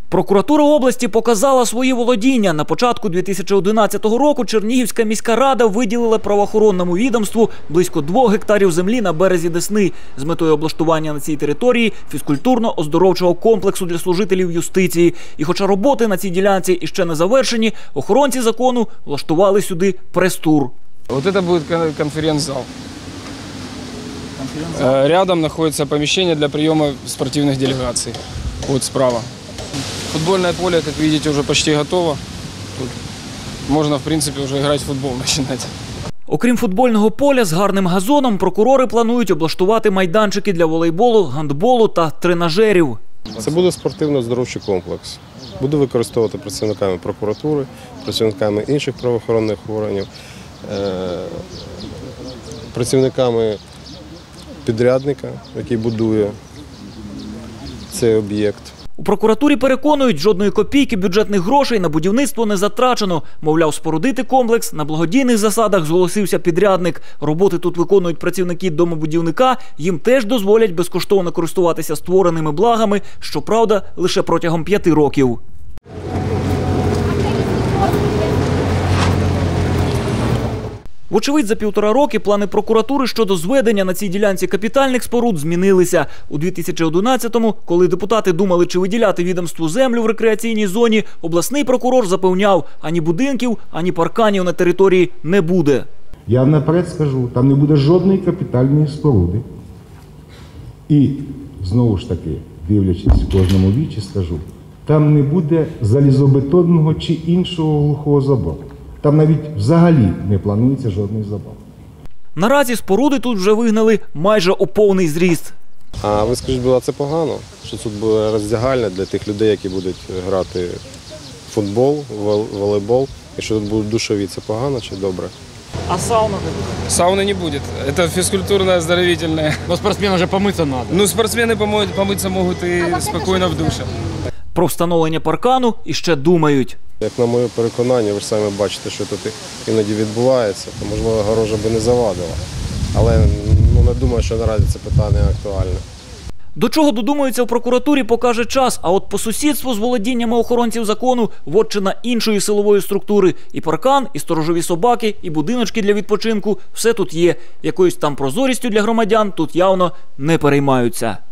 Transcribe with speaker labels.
Speaker 1: Прокуратура області показала свої володіння. На початку 2011 року Чернігівська міська рада виділила правоохоронному відомству близько 2 гектарів землі на березі Десни з метою облаштування на цій території фізкультурно-оздоровчого комплексу для служителів юстиції. І хоча роботи на цій ділянці іще не завершені, охоронці закону влаштували сюди прес-тур.
Speaker 2: Вот это будет конференц-зал. Рядом находится помещение для приема спортивных делегаций. Вот справа. Футбольное поле, как видите, уже почти готово. Тут можно, в принципе, уже играть в футбол начинать.
Speaker 1: Окрім футбольного поля з гарним газоном, прокурори планують облаштувати майданчики для волейболу, гандболу та тренажерів.
Speaker 3: Це буде спортивно-оздоровчий комплекс. Буде використовувати працівниками прокуратури, працівниками інших правоохоронних органів, працівниками підрядника, який будує цей об'єкт.
Speaker 1: У прокуратурі переконують, жодної копійки бюджетних грошей на будівництво не затрачено. Мовляв, спорудити комплекс на благодійних засадах зголосився підрядник. Роботи тут виконують працівники домобудівника, їм теж дозволять безкоштовно користуватися створеними благами, щоправда, лише протягом 5 років. Вочевидь, за 1,5 роки плани прокуратури щодо зведення на цій ділянці капітальних споруд змінилися. У 2011-му, коли депутати думали, чи виділяти відомству землю в рекреаційній зоні, обласний прокурор запевняв, ані будинків, ані парканів на території не буде.
Speaker 4: Я наперед скажу, там не буде жодної капітальної споруди. І, знову ж таки, дивлячись в кожному вічі, скажу, там не буде залізобетонного чи іншого глухого забору. Там навіть взагалі не планується жодний забор.
Speaker 1: Наразі споруди тут вже вигнали майже у повний зріст.
Speaker 3: А ви скажіть, було це погано, що тут буде роздягальня для тих людей, які будуть грати в футбол, волейбол, і що тут будуть душові, це погано чи добре?
Speaker 1: А сауна не буде?
Speaker 2: Сауны не будет. Это физкультурно-оздоровительное.
Speaker 5: Но спортсменам же помыться надо.
Speaker 2: Ну, спортсмены помыться могут и спокойно в душе.
Speaker 1: Про встановлення паркану іще думають.
Speaker 3: Як на моє переконання, ви ж самі бачите, що тут іноді відбувається, то, можливо, огорожа би не завадила. Але не думаю, що наразі це питання актуальне.
Speaker 1: До чого додумаються в прокуратурі, покаже час. А от по сусідству з володіннями охоронців закону вотчина іншої силової структури. І паркан, і сторожові собаки, і будиночки для відпочинку – все тут є. Якоюсь там прозорістю для громадян тут явно не переймаються.